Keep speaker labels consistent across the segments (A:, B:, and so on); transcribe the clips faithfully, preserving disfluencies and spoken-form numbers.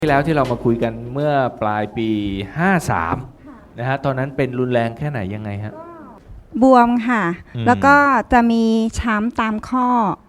A: ที่แล้วที่เรามาคุยกันเมื่อปลายปีห้าสามนะฮะตอนนั้นเป็นรุนแรงแค่ไหนยังไงฮะ
B: บวมค่ะ
A: อืม
B: แล้วก็จะมีช้ำตามข้อบ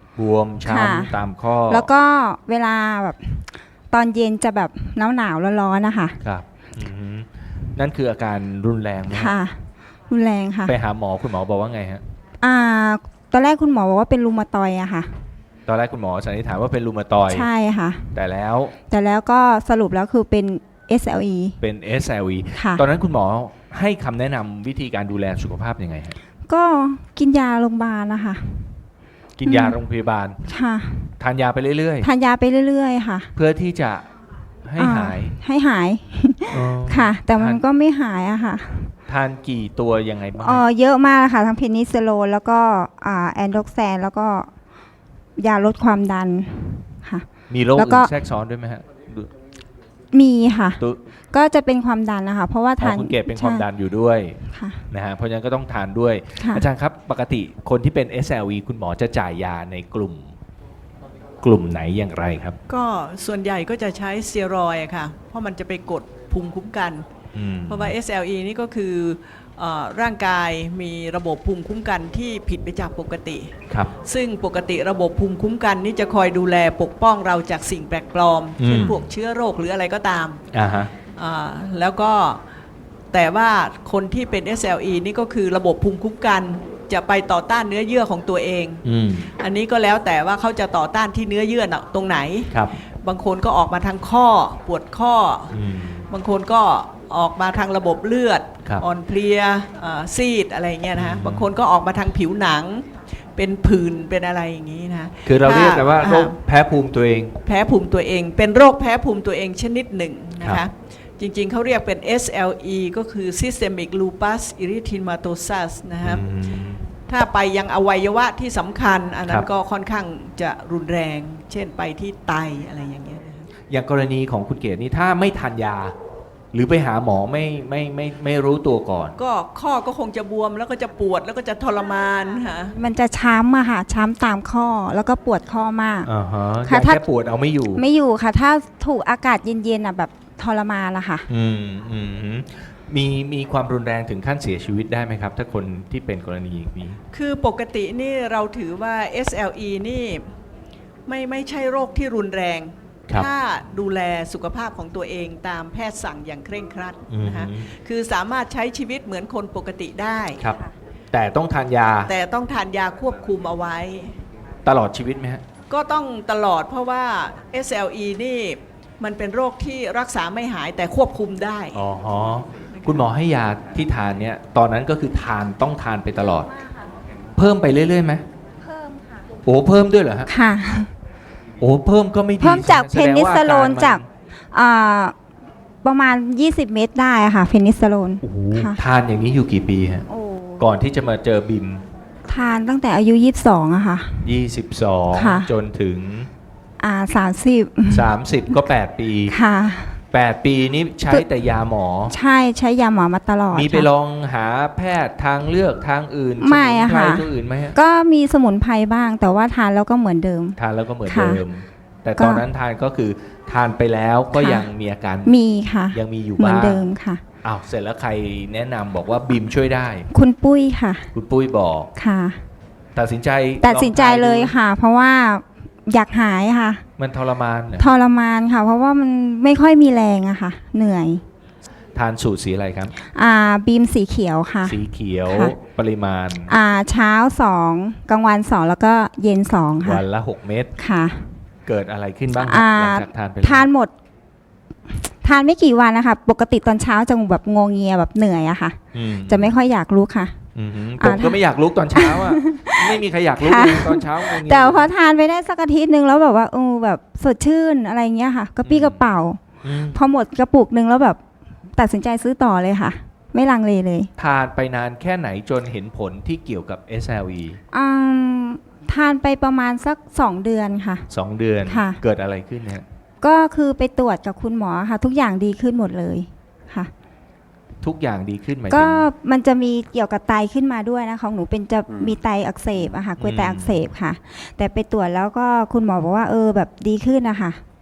A: วม
B: ค่ะ
A: ช้ำตามข้อ
B: แล้วก็เวลาแบบตอนเย็นจะแบบหนาวหนาวๆร้อนๆนะคะ
A: ครับอือฮึนั่นคืออาการรุนแรงไหมฮะ
B: ค่ะ รุนแรงค่ะ
A: ไปหาหมอคุณหมอบอกว่าไงฮะ
B: อ่าตอนแรกคุณหมอบอกว่าเป็นรูมาตอยด์อะค่ะ
A: ตอนแรกคุณหมอสันนิษฐานว่าเป็นรูมาตอยด์
B: ใช่ค่ะ
A: แต่แล้ว
B: แต่แล้วก็สรุปแล้วคือเป็น เอส แอล อี
A: เป็น เอส แอล อี
B: ค่ะ
A: ตอนนั้นคุณหมอให้คำแนะนำวิธีการดูแลสุขภาพยังไงฮะ
B: ก็กินยาโรงพยาบาลนะคะ
A: กินยาโรงพยาบาล
B: ค่ะ
A: ทานยาไปเรื่อย
B: ทานยาไปเรื่อยๆค่ะ
A: ๆ เพื่อที่จะให้หาย
B: อ่ให้หาย
A: อ๋อ
B: ค่ะ แต่มัน
A: ทาน
B: ก็ไม่หายอะค่ะ
A: ทานกี่ตัวยังไงบ้าง
B: เออเยอะมากเลยค่ะทั้งเพนิซิลลินแล้วก็อ่าแอนโดรกแซนแล้วก็ยาลดความดันค่ะ
A: มีโรค
B: แล้ว
A: อื่
B: ก็
A: นแทรกซ้อนด้วยไหมฮะดู
B: มีค่ะ
A: ตัว
B: ก็จะเป็นความดันนะคะ เพราะว่า
A: อ๋
B: ทา
A: อน คุณเกดเป็นความดันอยู่ด้วย
B: ค่ะ
A: นะฮะเพราะฉะนั้นก็ต้องทานด้วย
B: ค่ะ
A: อาจารย์ครับปกติคนที่เป็น เอส แอล อี คุณหมอจะจ่ายยาในกลุ่ม กลุ่มไหนอย่างไรครับ
C: ก็ส่วนใหญ่ก็จะใช้สเตียรอยด์อะค่ะ เพราะมันจะไปกดภูมิคุ้มกัน
A: อืม
C: เพราะว่า เอส แอล อี นี่ก็คือเออร่างกายมีระบบภูมิคุ้มกันที่ผิดไปจากปกติ
A: ครับ
C: ซึ่งปกติระบบภูมิคุ้มกันนี่จะคอยดูแลปกป้องเราจากสิ่งแปลกปลอม
A: อืม
C: เช่นพวกเชื้อโรคหรืออะไรก็ตาม
A: อ่าฮะ
C: อ่าแล้วก็แต่ว่าคนที่เป็น เอส แอล อี นี่ก็คือระบบภูมิคุ้มกันจะไปต่อต้านเนื้อเยื่อของตัวเอง
A: อืม
C: อันนี้ก็แล้วแต่ว่าเขาจะต่อต้านที่เนื้อเยื่อน่ะตรงไหน
A: ครับ
C: บางคนก็ออกมาทางข้อปวดข้อ
A: อืม
C: บางคนก็ออกมาทางระบบเลือด
A: ครับ
C: อ่อนเพลียเอ่อซีดอะไรเงี้ยนะฮะ
A: อืม
C: บางคนก็ออกมาทางผิวหนัง เป็นผื่นเป็นอะไรอย่างนี้นะ
A: คือเราเรียกกันว่า
C: ถ้
A: โรคแพ้ภูมิตัวเอง
C: แพ้ภูมิตัวเอง เป็นโรคแพ้ภูมิตัวเองชนิดหนึ่งนะ
A: ครั
C: คะ
A: บ
C: จริงๆเขาเรียกเป็น เอส แอล อี ก็คือ Systemic Lupus Erythematosus นะครับ
A: อืม
C: ถ้าไปยังอวัยวะที่สำคัญ อันนั้
A: ครั
C: น
A: บ
C: ก็ค่อนข้างจะรุนแรง เช่นไปที่ไตอะไรอย่างเงี้ยนะครับ
A: อย่างกรณีของคุณเกดนี่ถ้าไม่ทานยา หรือไปหาหมอไม่ไม่ไม่ไม่รู้ตัวก่อน
C: ก็ข้อก็คงจะบวมแล้วก็จะปวดแล้วก็จะทรมานค่ะ
B: มันจะช้ำอะค่ะ ช้ำตามข้อแล้วก็ปวดข้อมาก
A: อ่าฮะ
B: ค่ะ
A: ยา
B: ถ้า
A: แก้ปวดเอาไม่อยู่
B: ไม่อยู่ค่ะ ถ้าถูกอากาศเย็นๆอะแบบทรมานละค่ะ
A: อืมอืมฮึมีมีความรุนแรงถึงขั้นเสียชีวิตได้ไหมครับ ถ้าคนที่เป็นกรณีอย่างนี้
C: คือปกตินี่เราถือว่า เอส แอล อี นี่ไม่ไม่ใช่โรคที่รุนแรง
A: ครับ
C: ถ้าดูแลสุขภาพของตัวเองตามแพทย์สั่งอย่างเคร่งครัด
A: อืม
C: นะคะ คือสามารถใช้ชีวิตเหมือนคนปกติได้
A: ครับ แต่ต้องทานยา
C: แต่ต้องทานยาควบคุมเอาไว้
A: ตลอดชีวิตไหมฮะ
C: ก็ต้องตลอดเพราะว่า เอส แอล อี นี่มันเป็นโรคที่รักษาไม่หายแต่ควบคุมได้
A: อ๋อฮะคุณหมอให้ยาที่ทานเนี่ยตอนนั้นก็คือทานต้องทานไปตลอด เพิ่มไปเรื่อยๆไหม
B: เพิ่มค่ะ
A: โอ้เพิ่มด้วยเหรอฮะ
B: ค่ะ
A: โอ้เพิ่มก็ไม่ดี
B: เพิ่มจากเพ
A: แสดง
B: นิ
A: ว่า
B: ซิลลิน
A: อรมั
B: จากอ่าประมาณ ยี่สิบ เม็ดได้อะค่ะ เพนิซิลลิน
A: โอ้โห
B: ค่ะ
A: ทานอย่างนี้อยู่กี่ปีฮะ
B: โอ้
A: ก่อนที่จะมาเจอบิม
B: ทานตั้งแต่อายุ ยี่สิบสองอะค่ะ
A: ยี่สิบสอง
B: ค่ะ
A: จนถึง
B: อ่าสามสิบ
A: สามสิบก็แปดปี
B: ค่ะ
A: แปดปีนี้ใช้แต่ยาหมอ
B: ใช่ใช้ยาหมอมาตลอด
A: มีไป
B: ค่ะ
A: ลองหาแพทย์ทางเลือกทางอื่น
B: ไม่อะ
A: สมุนไพร
B: ค่ะ
A: ตัวอื่นไหมฮะ
B: ก็มีสมุนไพรบ้าง แต่ว่าทานแล้วก็เหมือนเดิม
A: ทานแล้วก็เหมือน
B: ค่ะ
A: เดิม แต่
B: ก็
A: ตอนนั้นทานก็คือทานไปแล้วก็
B: ค่ะ
A: ยังมีอาการ
B: มีค่ะ
A: ยังมีอยู่
B: เหมือน
A: บ้าง
B: เดิมค่ะ
A: อ้าวเสร็จแล้วใครแนะนำบอกว่าบิมช่วยได้
B: คุณปุ้ยค่ะ
A: คุณปุ้ยบอก
B: ค่ะ
A: ตัดสินใจ
B: ตัดสินใจ
A: องทา
B: เลย
A: ดู
B: ค่ะ เพราะว่าอยากหายค่ะ
A: มันทรมานเหรอ
B: ทรมานค่ะ เพราะว่ามันไม่ค่อยมีแรงอะค่ะ เหนื่อย
A: ทานสูตรสีอะไรครับ
B: อ่าบีมสีเขียวค่ะ
A: สีเขียว
B: ค่ะ
A: ปริมาณ
B: อ่าเช้าสองกลางวันสองแล้วก็เย็นสองค่ะ
A: วันละหกเม็ด
B: ค่ะ
A: เกิดอะไรขึ้นบ้างครับ
B: อ่า
A: หลังจากทานไปแล้ว
B: ทานหมด ทานไม่กี่วันนะคะปกติตอนเช้าจะแบบงวงเงียแบบเหนื่อยอะค่ะ
A: อืม
B: จะไม่ค่อยอยากลุกค่ะ
A: อืมฮึ
B: อ่า
A: ผมก็ไม่อยากลุกตอนเช้าอ่ะ ไม่มีใครอยากลุก
B: ค่ะ
A: เลยตอนเช้าอย่างเงี้ย
B: แต่พอทานไปได้สักอาทิตย์หนึ่งแล้วแบบว่าเออแบบสดชื่นอะไรเงี้ยค่ะกระปี้
A: อืม
B: กระเป๋า
A: อืม
B: พอหมดกระปุกหนึ่งแล้วแบบตัดสินใจซื้อต่อเลยค่ะ ไม่ลังเลเลย
A: ทานไปนานแค่ไหนจนเห็นผลที่เกี่ยวกับ เอส แอล อี
B: อืมทานไปประมาณสักสองเดือนค่ะ
A: สองเดือน
B: ค่ะ
A: เกิดอะไรขึ้นเนี่ย
B: ก็คือไปตรวจกับคุณหมอค่ะ ทุกอย่างดีขึ้นหมดเลยค่ะ
A: ทุกอย่างดีขึ้นไหมาย
B: ก็
A: ถึง
B: มันจะมีเกี่ยวกับไตขึ้นมาด้วยนะของหนูเป็นจะ
A: อืม
B: มีไตอักเสบอะค่ะกล้วยไต
A: อืม
B: อักเสบค่ะ แต่ไปตรวจแล้วก็คุณหมอบอกว่าเออแบบดีขึ้นนะคะ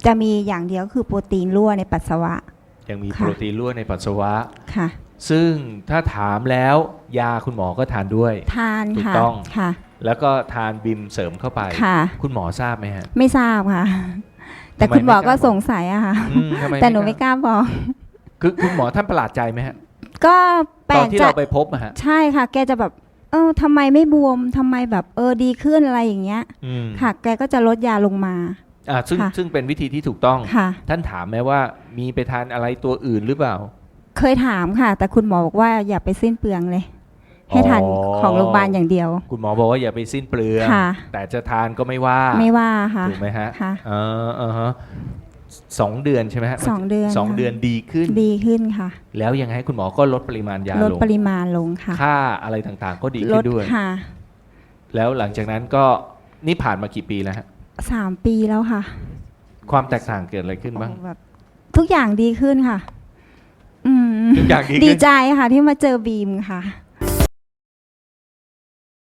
B: จะมีอย่างเดียวคือโปรตีนรั่วในปัสสาวะ
A: ยังมี
B: ค่ะ
A: โปรตีนรั่วในปัสสาวะ
B: ค่ะ
A: ซึ่งถ้าถามแล้วยาคุณหมอก็ทานด้วย
B: ทาน
A: ถูก
B: ค่ะ
A: ต้อง
B: ค่ะ
A: แล้วก็ทานบิมเสริมเข้าไป
B: ค่ะ
A: คุณหมอทราบไหมฮะ
B: ไม่ทราบค่ะ แต่
A: ทำไม
B: คุณหมอ
A: ไม่ก
B: ก็
A: ล้าบอก
B: สงสัยอะค่ะ
A: อืมทำไม
B: แต่หนูไม่กล้าบอก
A: คือคุณหมอท่านประหลาดใจไหมฮะ
B: ก็แปล
A: ตอน
B: ก
A: ที่
B: ใจ
A: เราไปพบอะฮะ
B: ใช่ค่ะ แกจะแบบ เออทำไมไม่บวมทำไมแบบเออดีขึ้นอะไรอย่างเงี้ย
A: อืม
B: ค่ะ แกก็จะลดยาลงมา
A: อ่าซึ่ง
B: ค่ะ
A: ซึ่งเป็นวิธีที่ถูกต้อง
B: ค่ะ
A: ท่านถามไหมว่ามีไปทานอะไรตัวอื่นหรือเปล่า
B: เคยถามค่ะ แต่คุณหมอบอกว่าอย่าไปสิ้นเปลืองเลย ให้ทาน
A: อ๋อ
B: ของโรงพยาบาลอย่างเดียว
A: คุณหมอบอกว่าอย่าไปสิ้นเปลือง
B: ค่ะ
A: แต่จะทานก็ไม่ว่า
B: ไม่ว่าค่ะ
A: ถูกไหมฮะ
B: ค่ะ
A: เออเออฮะสองเดือนใช่ไหมฮะ
B: สองเดือน
A: สอง
B: ค่ะ
A: เดือนดีขึ้น
B: ดีขึ้นค่ะ
A: แล้วยังไงคุณหมอก็ลดปริมาณยา
B: ลด
A: ลง
B: ปริมาณลงค่ะ
A: ค่าอะไรต่างๆ ก็ดี
B: ล
A: ขึ้
B: ด
A: นด้วย
B: ค่ะ
A: แล้วหลังจากนั้นก็นี่ผ่านมากี่ปีแล้วฮะ
B: สามปีแล้วค่ะ
A: ความแตกต่างเกิดอะไรขึ้นบ้าง
B: โอ้แบบทุกอย่างดีขึ้นค่ะ อืม
A: ทุกอย่างดี
B: ดี
A: ขึ้น
B: ใจค่ะที่มาเจอบีมค่ะ